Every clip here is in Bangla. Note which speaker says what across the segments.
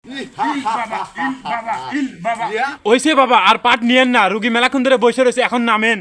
Speaker 1: ওইসে বাবা আর পাট নিয়েন না, রুগী মেলাক্ষণ ধরে বসে রয়েছে, এখন নামেন।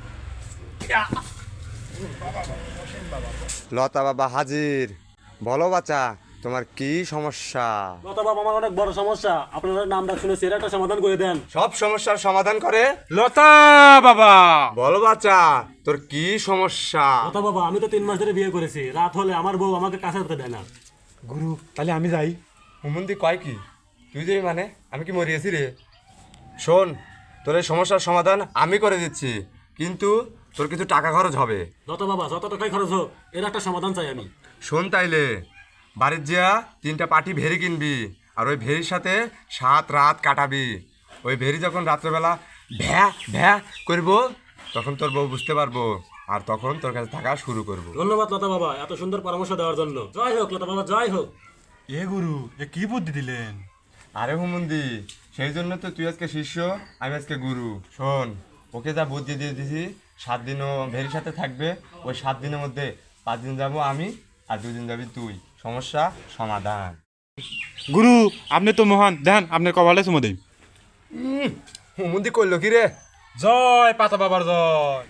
Speaker 2: লতা বাবা হাজির। বলো বাচ্চা, তোমার কি সমস্যা?
Speaker 3: লতা বাবা, আমার অনেক বড় সমস্যা, আপনারা নামটা শুনেছি, এর একটা সমাধান করে দেন।
Speaker 2: সব সমস্যার সমাধান করে
Speaker 1: লতা বাবা।
Speaker 2: বলো বাচ্চা, তোর কি সমস্যা?
Speaker 3: লতা বাবা, আমি তো 3 মাস ধরে বিয়ে করেছি, রাত হলে আমার বউ আমাকে কাছে হতে দেয় না।
Speaker 1: গুরু, তাহলে আমি যাই।
Speaker 2: হুমন্দি কয় কি? তুই যে মানে আমি কি মরিয়েছি রে? শোন, তোর এই সমস্যার সমাধান আমি করে দিচ্ছি, কিন্তু তোর কিছু টাকা খরচ হবে।
Speaker 3: লতা বাবা, যত টাকাই খরচ হোক, এর একটা সমাধান চাই আমি।
Speaker 2: শোন তাইলে, বাড়ির যা 3টা পাটি ভেরি কিনবি, আর ওই ভেরির সাথে 7 রাত কাটাবি। ওই ভেরি যখন রাত্রেবেলা ভ্যা ভ্যা করব, তখন তোর বউ বুঝতে পারবো, আর তখন তোর কাছে থাকা শুরু করবো।
Speaker 3: ধন্যবাদ লতা বাবা, এত সুন্দর পরামর্শ দেওয়ার জন্য। জয় হোক লতা বাবা, জয় হোক।
Speaker 1: এ গুরু, এ কি বুদ্ধি দিলেন?
Speaker 2: আরে হুমন্দি, সেই জন্য তো তুই আজকে শিষ্য, আমি আজকে গুরু। শোন, ওকে যা বুদ্ধি দিয়ে দিছি, 7 দিন ও ভেরির সাথে থাকবে। ওই 7 দিনের মধ্যে 5 দিন যাবো আমি, আর 2 দিন যাবি তুই। সমস্যা সমাধান।
Speaker 1: গুরু, আপনি তো মহান, দেন আপনার কপালে চুমো দেই।
Speaker 2: হুমন্দি করলো কি রে?
Speaker 1: জয় পাতা বাবার জয়।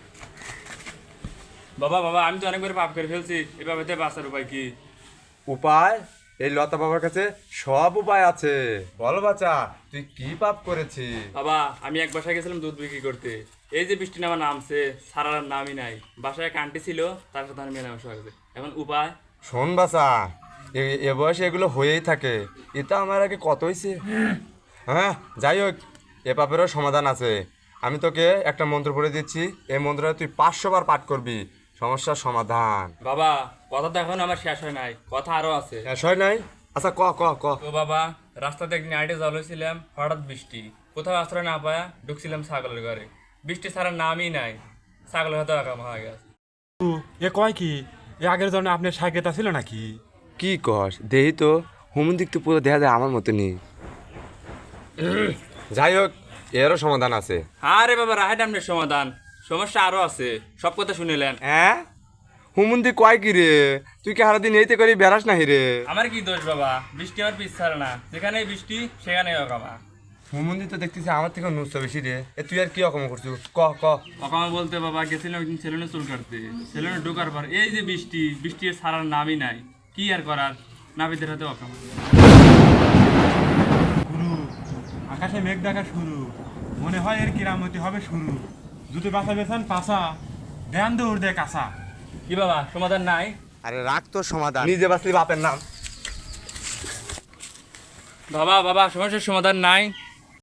Speaker 4: বাবা বাবা, আমি তো অনেকবার পাপ করে ফেলছি, এভাবে বাঁচার উপায় কি?
Speaker 2: উপায়? এই লতা বাবার কাছে সব উপায় আছে। বল বাচ্চা, তুই কি পাপ করেছিস?
Speaker 4: বাবা, আমি এক বাসায় গেছিলাম দুধ বিক্রি করতে। এই যে বৃষ্টি নামা নামছে, সারার নামই নাই। বাসায় এক আন্টি ছিল, তার সাথে আমি মেলামেশা হয়েছে। এখন উপায়?
Speaker 2: শোন বাচ্চা, এ বয়সে এগুলো হয়েই থাকে। এটা আমার আগে কত হয়েছে। হ্যাঁ, যাই হোক, এ পাপেরও সমাধান আছে। আমি তোকে একটা মন্ত্র পড়ে দিচ্ছি, এই মন্ত্রটা তুই 500 বার পাঠ করবি, সমস্যার সমাধান।
Speaker 4: বাবা, কথা তো এখন আমার শেষ হয় নাই, কথা আরো আছে।
Speaker 2: হয় নাই? আচ্ছা, ক ক ক।
Speaker 4: তো বাবা, রাস্তাতে একদিন আইটে জল হয়েছিলাম, হঠাৎ বৃষ্টি, কোথাও আশ্রয় না পায়া ঢুকছিলাম ছাগলের ঘরে। বৃষ্টি ছাড়ার নামই নাই, ছাগলের হয়তো একাম হয়ে গেছে।
Speaker 1: এ কয় কি? এ আগের জন্য আপনার সাইকেতা ছিল নাকি?
Speaker 2: কি কস দেহি তো, হুমন্দিক তো পুরো দেখা যায় আমার মতনই। যাই হোক, এরও সমাধান আছে।
Speaker 4: আরে বাবা, রাহেট আপনার সমাধান, সমস্যা আরো আছে, সব কথা শুনিলেন।
Speaker 2: হ্যাঁ, হুমন্দি কয় কি রে? তুই কি সারাদিন এইতে করি বেড়াস নাহি রে?
Speaker 4: আমার কি দোষ বাবা, বৃষ্টি আমার পিছ ছাড়ে না, যেখানে বৃষ্টি সেখানেই অকামা।
Speaker 2: হুমন্দি তো দেখতেছি আমার থেকে নুসতে বেশি রে। এ তুই আর কি রকম করছু? ক ক।
Speaker 4: অকামা বলতে বাবা, গেছিলাম একদিন সেলুনে চুল কাটতে। সেলুনে ঢোকার পর এই যে বৃষ্টি, বৃষ্টি আর ছাড়ার নামই নাই। কি আর করার, নাবিদের হাতে অকামা।
Speaker 1: গুরু, আকাশে মেঘ দেখা শুরু, মনে হয় এর কিরামতি হবে শুরু। যদি বাসা বেছান পাশা, ধ্যান দৌড় দে কাঁচা।
Speaker 4: কি বাবা, সমাধান নাই?
Speaker 2: আরে রাখ তোর সমাধান, নিজে বাঁচলি বাপের নাম।
Speaker 4: বাবা বাবা, সমস্যার সমাধান নাই?